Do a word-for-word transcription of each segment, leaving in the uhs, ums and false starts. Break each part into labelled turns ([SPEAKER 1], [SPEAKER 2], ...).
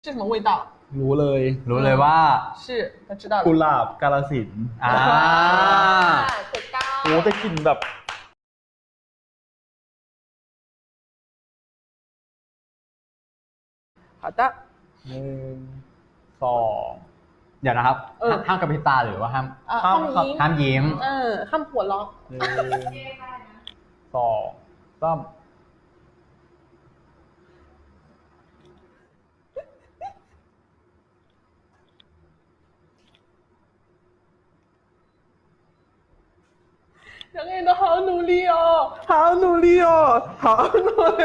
[SPEAKER 1] 是什么味道？
[SPEAKER 2] รู้เลย
[SPEAKER 3] รู้เลยว่า
[SPEAKER 1] 是，他知道了。
[SPEAKER 2] กุหลาบกาฬสินธุ์
[SPEAKER 3] อ่า
[SPEAKER 1] 可高。
[SPEAKER 2] โอ้แต่กลิ่นแบบ
[SPEAKER 1] 好的。
[SPEAKER 2] หนึ่งสอง
[SPEAKER 3] เดี๋ยวนะครับ
[SPEAKER 1] เออ
[SPEAKER 3] ห้ามกระพริบตาหรือว่าห้าม
[SPEAKER 1] 啊，
[SPEAKER 2] ห้าม
[SPEAKER 1] 他们
[SPEAKER 2] ครับ
[SPEAKER 1] 赢。
[SPEAKER 3] ห้ามยิ้ม
[SPEAKER 1] 嗯，他们火了。
[SPEAKER 2] หนึ่งสองสาม
[SPEAKER 1] 两个人都好努力哦，好努力哦，好努力。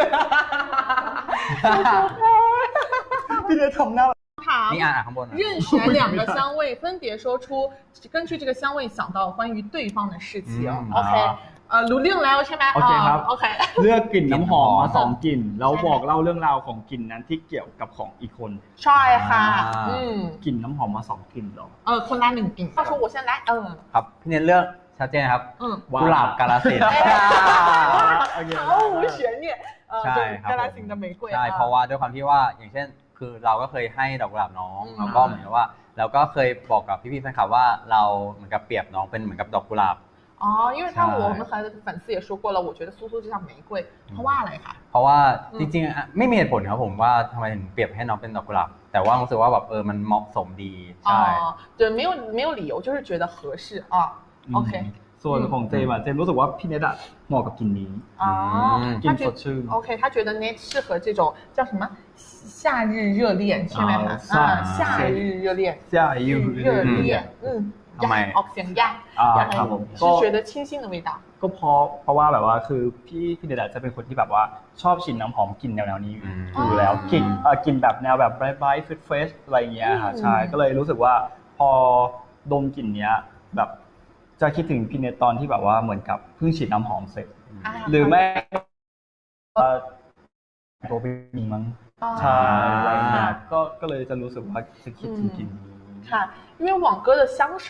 [SPEAKER 2] พี่เนยทำหน้า
[SPEAKER 1] 糖
[SPEAKER 3] นี่อ่านอ่านข้างบนนะ
[SPEAKER 1] 任选两个香味，分别说出根据这个香味想到关于对方的事情。
[SPEAKER 3] 嗯
[SPEAKER 1] OK，呃，卢令来 ใช่ไหม
[SPEAKER 2] โอเคครับ
[SPEAKER 1] โอเค
[SPEAKER 2] เลือกกลิ่นน้ำหอมมาสองกลิ่นแล้ว
[SPEAKER 1] ใช่
[SPEAKER 2] บอกเล่าเรื่องราวของกลิ่นนั้นที่เกี่ยวกับของอีกคน
[SPEAKER 1] ใช่ค่ะ
[SPEAKER 3] อ่า
[SPEAKER 1] อืม
[SPEAKER 2] กลิ่นน้ำหอมมาสองกลิ่นเหรอ
[SPEAKER 1] เออคนละหนึ่งกลิ่น他说我先来เออ
[SPEAKER 3] ครับพี่เน้นเรื่องชัดเจนนะครับ
[SPEAKER 1] อืม
[SPEAKER 3] กุหลาบกาฬสินธุ์
[SPEAKER 1] 哎毫无悬念เออ
[SPEAKER 3] ใช่ครับ
[SPEAKER 1] กาลาสิน的玫瑰
[SPEAKER 3] ใช่เพราะว่าด้วยความที่ว่าอย่างเช่น คือเราก็เคยให้ดอกกุหลาบน้อง
[SPEAKER 1] อืม
[SPEAKER 3] แล้วก็เหมือนกับว่าเราก็เคยบอกกับพี่ๆแฟนคลับว่าเราเหมือนกับเปรียบน้องเป็นเหมือนกับดอกกุหลาบ
[SPEAKER 1] อ๋อ因为他我们和粉丝也说过了我觉得苏苏就像玫瑰เพราะว่าอะไรคะ
[SPEAKER 3] เพราะว่า
[SPEAKER 1] อืม
[SPEAKER 3] จริงๆอ่ะไม่มีเหตุผลครับผมว่าทำไมถึงเปรียบให้น้องเป็นดอกกุหลาบแต่ว่ารู้สึกว่าแบบเออมันเหมาะสมดีใช่
[SPEAKER 1] 哦对没有没有理由就是觉得合适啊 OK
[SPEAKER 2] ส่วนของเจมส์อะเจมส์รู้สึกว่าพี่เนทอะเหมาะกับกลิ่นนี้
[SPEAKER 1] 哦
[SPEAKER 2] กลิ่
[SPEAKER 1] 他
[SPEAKER 2] น
[SPEAKER 1] 觉
[SPEAKER 2] สดชื่น
[SPEAKER 1] OK 他觉得 Net 适合这种叫什么夏日热恋ใช่ไหมคะ
[SPEAKER 2] อ่า
[SPEAKER 1] อ่า夏日热恋
[SPEAKER 2] ใช่ยู
[SPEAKER 1] 热恋嗯
[SPEAKER 3] ทำไม
[SPEAKER 1] ออกเสียงยาก
[SPEAKER 2] อ่า
[SPEAKER 1] อยาก
[SPEAKER 2] ครับผม
[SPEAKER 1] 是
[SPEAKER 2] ก็
[SPEAKER 1] 觉得清新的味道
[SPEAKER 2] ก็เพราะเพราะว่าแบบว่าคือพี่พี่เนทอะจะเป็นคนที่แบบว่าชอบฉีดน้ำหอมกลิ่นแนวๆนี้
[SPEAKER 3] อืม
[SPEAKER 2] อยู่แล้วกลิ่นเอ่อกลิ่นแบบแนวแบบไบรท์ไบรท์เฟรชเฟรชอะไรอย่างเงี้ยค่ะ
[SPEAKER 1] อืม
[SPEAKER 2] ใช่ก็เลยรู้สึกว่าพอดมกลิ่นเนี้ยแบบจะคิดถึงพี่เนทตอนที่แบบว่าเหมือนกับเพิ่งฉีดน้ำหอมเสร็จ
[SPEAKER 1] อ่า
[SPEAKER 2] หรือไม่เอ่อตัวเป็นหญิงมั้ง
[SPEAKER 1] อ๋อ
[SPEAKER 2] ใช่อะไรเงี้ยก็ก็เลยจะรู้สึกว่าจะคิดถึงกลิ่นนี้
[SPEAKER 1] 看因为网哥的香水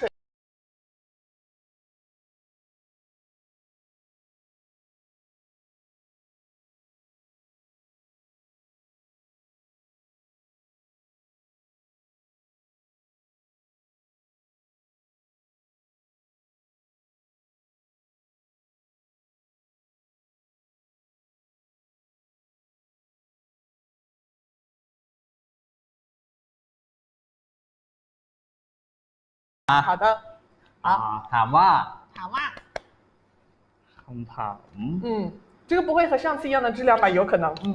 [SPEAKER 1] 好的好
[SPEAKER 3] ถามว่า
[SPEAKER 1] ถามว่า
[SPEAKER 2] คำถาม
[SPEAKER 1] 嗯这个不会和上次一样的质量吧有可能嗯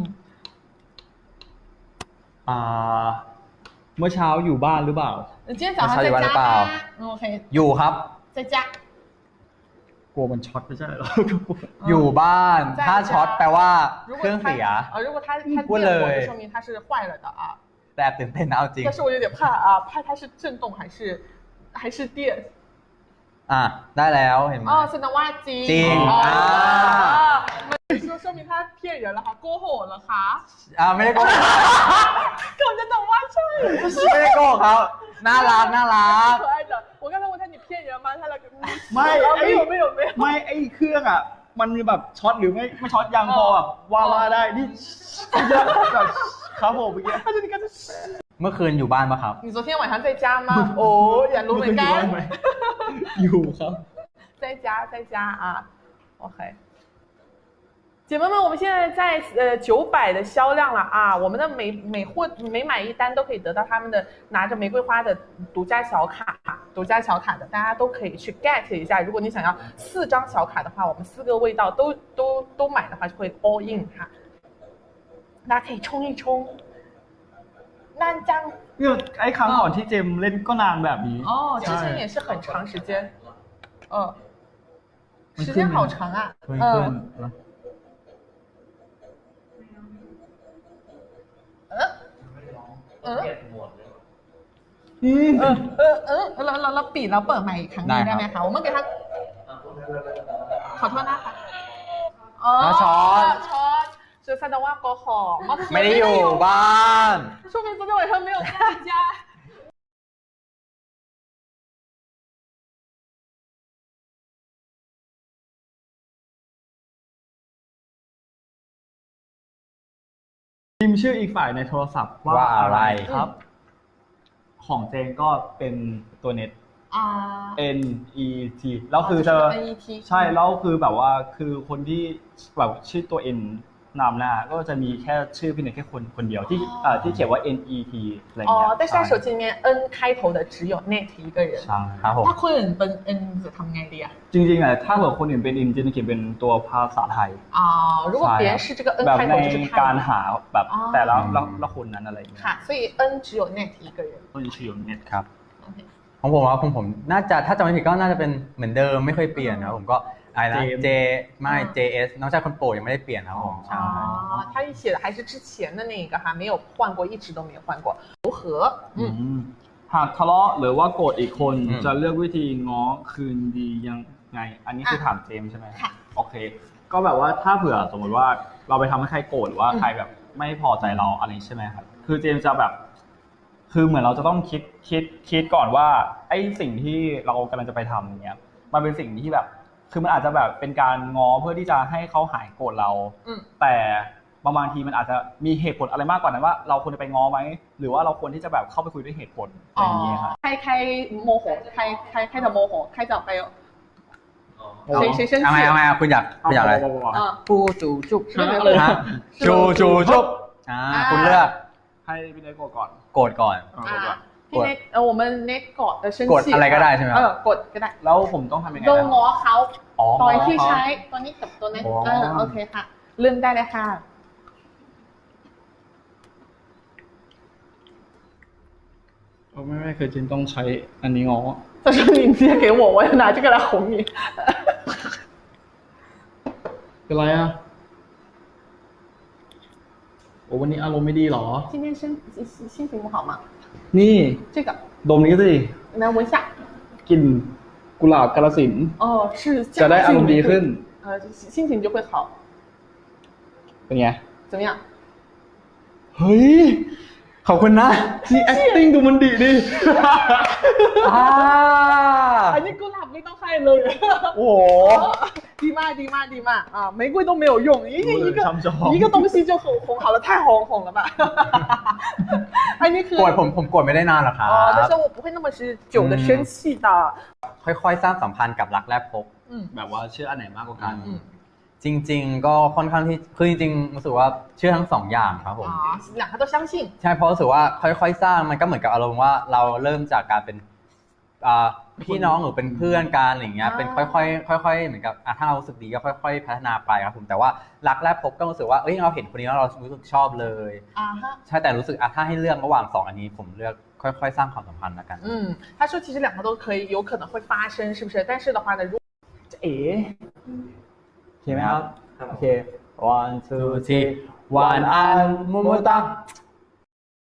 [SPEAKER 2] อ่าเมื่อเช้าอยู่บ้านหรือเปล่า
[SPEAKER 1] 今天早上在家吗嗯 OK
[SPEAKER 3] อยู่ครับ
[SPEAKER 1] 在家
[SPEAKER 2] กลัวมันช็อตไม่ใช่เหรอ
[SPEAKER 3] อยู่บ้าน
[SPEAKER 1] 在家
[SPEAKER 3] ถ้าช็อตแปลว่า
[SPEAKER 1] 如
[SPEAKER 3] เค
[SPEAKER 1] 果
[SPEAKER 3] รื่อง
[SPEAKER 1] 它
[SPEAKER 3] เสีย
[SPEAKER 1] 呃如果它它
[SPEAKER 3] พูด
[SPEAKER 1] 电
[SPEAKER 3] เล
[SPEAKER 1] 我
[SPEAKER 3] ย
[SPEAKER 1] 就说明它是坏了的啊
[SPEAKER 3] แต่ตื่นเต้นนะเอาจริง
[SPEAKER 1] 但是我有点怕啊怕它是震动还是还是电
[SPEAKER 3] อ่ะได้แล้วเห็นไหม
[SPEAKER 1] 哦真的ว่าจริง
[SPEAKER 3] จริง
[SPEAKER 1] อ๋อ
[SPEAKER 3] อ่า
[SPEAKER 1] มัน说说明他骗人了哈โกหก了ค่ะ
[SPEAKER 3] อ่าไม่ได้โกหก
[SPEAKER 1] 根本就懂ว่าใช่
[SPEAKER 3] ไม่ได้โกหกครับน่ารักน่ารัก
[SPEAKER 1] 可爱的我刚才问他你骗人吗他那个
[SPEAKER 2] ไม่
[SPEAKER 1] 哦
[SPEAKER 2] ไอ้
[SPEAKER 1] 没有没有没有
[SPEAKER 2] ไม่ไอ้เครื่องอ่ะ มันมีแบบช็อตหรือไม่ไม่ช็อตยังพอแบบว่าว่าได้นี่แบบครับผมเมื่อกี้
[SPEAKER 1] 他说你刚才
[SPEAKER 3] เมื่อคืนอยู่บ้านปะครับ
[SPEAKER 1] 你昨天晚上在家吗哦อยากรู้เหมือนกัน
[SPEAKER 2] อยู่ครับ
[SPEAKER 1] 在家在家啊 OK姐妹们，我们现在在呃九百的销量了啊！我们的每每货每买一单都可以得到他们的拿着玫瑰花的独家小卡，独家小卡的，大家都可以去 get 一下。如果你想要四张小卡的话，我们四个味道都都都买的话，就会 all in 哈。大家可以冲一冲。那这样
[SPEAKER 2] เนี่ยไอ้ครั้งก่อนที่เจมส์เล่นก็นานแบบนี้
[SPEAKER 1] 哦，之
[SPEAKER 2] ใช่
[SPEAKER 1] 前也是很长时间，嗯、
[SPEAKER 2] มัน
[SPEAKER 1] 时
[SPEAKER 2] ขึ้น
[SPEAKER 1] 间
[SPEAKER 2] ไหม
[SPEAKER 1] 好长啊，
[SPEAKER 2] ขึ้นขึ้น
[SPEAKER 1] 嗯。เออเออเออเออเออเราเราเราปิดแล้วเปิดใหม่อีกครั้งหนึงได้ไหมคะ我们给他ขอโทษนะคะอ๋อ
[SPEAKER 3] แล้วช็อต
[SPEAKER 1] ช็อต是แสดงว่าโกหกเมื่อคืน
[SPEAKER 3] ไม่ได้อยู่บ้าน
[SPEAKER 1] 说明昨天晚上没有在家
[SPEAKER 2] พิมพ์ชื่ออีกฝ่ายในโทรศัพท์ว่า
[SPEAKER 3] ว่าอะไร
[SPEAKER 2] ครับ ของเจนก็เป็นตัวเน็ต
[SPEAKER 1] อ่า
[SPEAKER 2] N E T แล้วคือจะ
[SPEAKER 1] N E T
[SPEAKER 2] ใช่แล้วคือแบบว่าคือคนที่แบบชื่อตัว N นามหน้าก็จะมีแค่ชื่อพี่เน็ตแค่คนคนเดียวที่เอ่อที่เขียนว่า N E T อะไรอย่างเงี้ย
[SPEAKER 1] 哦，但是他手机里面 N 开头的只有 Net 一个人。
[SPEAKER 2] ใช่
[SPEAKER 3] ครับผม
[SPEAKER 1] ถ้าคนอื่นเป็น N จะทำไงดีอ่ะ
[SPEAKER 2] จริงๆอ่ะถ้าเกิดคนอื่นเป็น N จะเขียนเป็นตัวภาษาไทย
[SPEAKER 1] อ๋อ如果别人是这个 N
[SPEAKER 2] แบบ
[SPEAKER 1] 开
[SPEAKER 2] ใน
[SPEAKER 1] 头就是泰
[SPEAKER 2] การ
[SPEAKER 1] 语
[SPEAKER 2] หาแบบ
[SPEAKER 1] อ๋อ
[SPEAKER 2] แต่ละละละคนนั้นอะไรอย่างเงี้ย
[SPEAKER 1] ค่ะ所以 N 只有 Net 一个人
[SPEAKER 2] ก็จะชื่อเน็ต
[SPEAKER 3] ครับ
[SPEAKER 1] OK
[SPEAKER 3] ของผมว่าของผมน่าจะถ้าจำไม่ผิดก็น่าจะเป็นเหมือนเดิมไม่เคยเปลี่ยนนะครับผมก็อะไรนะ J ไม่ เจ เอส น้องชายคนโปรดยังไม่ได้เปลี่ยนครับผมใช่
[SPEAKER 1] 哦，他写的还是之前的那个哈，没有换过，一直都没有换过。如何？
[SPEAKER 2] อื
[SPEAKER 1] 嗯，
[SPEAKER 2] มหากทะเลาะหรือว่าโกรธอีกคน
[SPEAKER 3] อืม
[SPEAKER 2] จะเลือกวิธีง้อคืนดียังไง อันนี้คือถามเจมส์ใช่ไหม
[SPEAKER 1] ค่ะ
[SPEAKER 2] โอเค ก็แบบว่าถ้าเผื่อสมมติว่าเราไปทำให้ใครโกรธหรือว่า
[SPEAKER 1] อืม
[SPEAKER 2] ใครแบบไม่พอใจเราอะไรใช่ไหมครับคือเจมส์จะแบบ คือเหมือนเราจะต้องคิดคิดคิดก่อนว่าไอ้สิ่งที่เรากำลังจะไปทำเนี้ยมันเป็นสิ่งที่แบบ คือมันอาจจะแบบเป็นการง้อเพื่อที่จะให้เขาหายโกรธเรา
[SPEAKER 1] อืม
[SPEAKER 2] แต่บางทีมันอาจจะมีเหตุผลอะไรมากกว่านั้นว่าเราควรจะไปง้อไหมหรือว่าเราควรที่จะแบบเข้าไปคุยด้วยเหตุผลอะไรอย่างเงี้ยครับ
[SPEAKER 1] 哦，开开摸火，开开开着摸火，开着没有？谁谁生
[SPEAKER 3] เอา
[SPEAKER 1] 气
[SPEAKER 3] ไงเอาไงคุณอยากคุณอยากอะไร
[SPEAKER 1] 啊，不主จุบไม่เป็นไร
[SPEAKER 3] ฮะชูชูชุบอ่าคุณเลือก
[SPEAKER 2] ให้พี่เนยโกรธก่อน
[SPEAKER 3] โกรธก่อน
[SPEAKER 2] เอาโกรธก่อน
[SPEAKER 1] 啊，พี่เน็ตเออ我们 Net กด生
[SPEAKER 3] กด
[SPEAKER 1] 气
[SPEAKER 3] อะไรก็ได้ใช่ไหมครับ
[SPEAKER 1] เออกดก็ได้
[SPEAKER 2] แล้วผมต้องทำยังไง
[SPEAKER 1] โด
[SPEAKER 2] นะ
[SPEAKER 1] นง้อเขา
[SPEAKER 3] อ๋อ
[SPEAKER 1] ตอนที่ใช้ตัวนี้กับตัวนี้
[SPEAKER 2] อ๋อ
[SPEAKER 1] เออโอเคค่ะเลื่อนได้เลยค่ะ
[SPEAKER 2] เออไม่ไม่คือจินต้องใช้อันนี้ง้อ
[SPEAKER 1] 他说你借给我，我要拿这个来哄你。
[SPEAKER 2] เป็นไรอ่ะโอ้วันนี้อารมณ์ไม่ดีเหรอ
[SPEAKER 1] 今天身心心情不好吗？
[SPEAKER 2] นี่
[SPEAKER 1] 这个
[SPEAKER 2] ดมนี้สิ
[SPEAKER 1] 来闻一下。
[SPEAKER 2] กลิ่นกุหลาบกาฬสินธุ์
[SPEAKER 1] 哦，是
[SPEAKER 2] จะได้อารมณ์ดีขึ้น
[SPEAKER 1] 呃，心情就会好。
[SPEAKER 2] เป็นไง
[SPEAKER 1] 怎么样？
[SPEAKER 2] เฮ้ย
[SPEAKER 3] ขอบคุณนะ
[SPEAKER 2] นี่ acting ดูมันดีดิ
[SPEAKER 3] อ่า
[SPEAKER 1] 啊，你กุหลาบไม่ต้องให้เลย
[SPEAKER 3] โอ้โห
[SPEAKER 1] ดีมากดีมากดีมาก啊，玫瑰都没有用，一个一个
[SPEAKER 2] ช้ำชอง
[SPEAKER 1] 一个东西就很红好了，太红红了吧？อันนี้คือ
[SPEAKER 3] โกรธผมผมโกรธไม่ได้นานหรอกครับ
[SPEAKER 1] 哦，但是我不会那么是久的生气的。
[SPEAKER 3] ค่อยๆ สร้างสัมพันธ์กับรักแรกพบ
[SPEAKER 1] 嗯
[SPEAKER 2] แบบว่าเชื่ออันไหนมากกว่ากัน
[SPEAKER 1] 嗯
[SPEAKER 3] จริง ๆ ก็ค่อนข้างที่คือจริงๆรู้สึกว่าเชื่อทั้งสองอย่างครับผม
[SPEAKER 1] 啊，两个都相信。
[SPEAKER 3] ใช่เพราะรู้สึกว่าค่อยๆ สร้างมันก็เหมือนกับอารมณ์ว่าเราเริ่มจากการเป็นอ่าพี่น้องหรือเป็นเพื่อนกันอย่างเงี้ย
[SPEAKER 1] อ่า
[SPEAKER 3] เป็นค่อยๆค่อยๆเหมือนกับอ่ะถ้าเรารู้สึกดีก็ค่อยๆ พัฒนาไปครับผมแต่ว่ารักแรกพบก็รู้สึกว่าเอ้ยเราเห็นคนนี้แล้วเรารู้สึกชอบเลย
[SPEAKER 1] 啊哈。
[SPEAKER 3] ใช่แต่รู้สึกอ่ะถ้าให้เลือกระหว่างสองอันนี้ผมเลือกค่อยๆ สร้างความสัมพันธ์แล้วกัน
[SPEAKER 1] 嗯，他说其实两个都可以，有可能会发生，是不是？但是的话呢，如
[SPEAKER 2] เอ๋โอเคไหมครับ
[SPEAKER 3] โอเค one two three 晚安么么哒